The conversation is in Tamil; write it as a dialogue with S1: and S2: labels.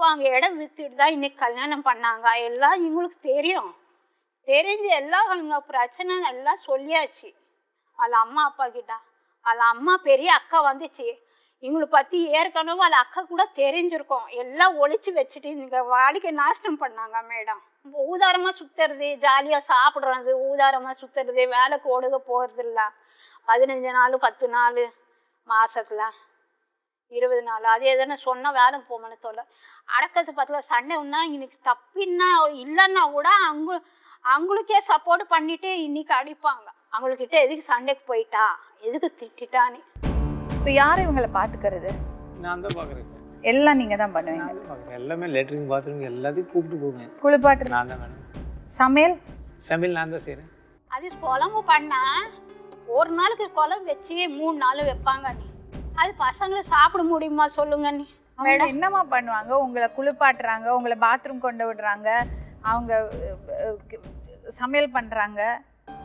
S1: அவங்க இடம் வித்துட்டு தான் இன்னைக்கு கல்யாணம் பண்ணாங்க. எல்லாம் இவங்களுக்கு தெரியும். தெரிஞ்சு எல்லாம் அவங்க பிரச்சனை எல்லாம் சொல்லியாச்சு వాళ్ళ அம்மா அப்பா கிட்ட. వాళ్ళ அம்மா பெரிய அக்கா வந்துச்சு. இவங்களை பற்றி ஏற்கனவே వాళ్ళ அக்கா கூட தெரிஞ்சிருக்கோம். எல்லாம் ஒழிச்சு வச்சுட்டு இங்கே வாழ்க்கை நாசனம் பண்ணாங்க மேடம். ஊதாரமாக சுற்றுறது, ஜாலியாக சாப்பிட்றது, ஊதாரமாக சுற்றுறது, வேலைக்கு ஒடுக போகிறது இல்லை. 15 நாள் 10 நாள் மாதத்தில் 20 நாள் அது எதுனா சொன்னால் வேலைக்கு போகணும்னு சொல்ல அடக்கத்து பத்தில் சண்டை ஒன்றா இன்னைக்கு தப்பின்னா இல்லைன்னா கூட அவங்களுக்கே சப்போர்ட் பண்ணிட்டு இன்னைக்கு அடிப்பாங்க. அவங்கக்கிட்ட எதுக்கு சண்டைக்கு போயிட்டா, எதுக்கு திட்டான்னு.
S2: இப்போ யார் இவங்களை பார்த்துக்கிறது?
S3: நான் தான் பார்க்குறேன்.
S2: எல்லாம் நீங்கள் தான் பண்ணுவீங்க?
S3: நான் தான் பார்க்குறேன். எல்லாமே லேட்ரின் பாத்ரூம் எல்லாத்தையும் கூப்பிட்டு போவேன்.
S2: குளிப்பாட்டு
S3: நான் தான் மேடம்.
S2: சமையல்
S3: நான் தான் செய்கிறேன்.
S1: அது குழம்பு பண்ணால் ஒரு நாளுக்கு குழம்பு வச்சு 3 நாள் வைப்பாங்க. நீ அது பசங்களை சாப்பிட முடியுமா சொல்லுங்க? நீ
S2: மேடம் என்னம்மா பண்ணுவாங்க? உங்களை குளிப்பாட்டுறாங்க, உங்களை பாத்ரூம் கொண்டு விடுறாங்க, அவங்க சமையல் பண்ணுறாங்க,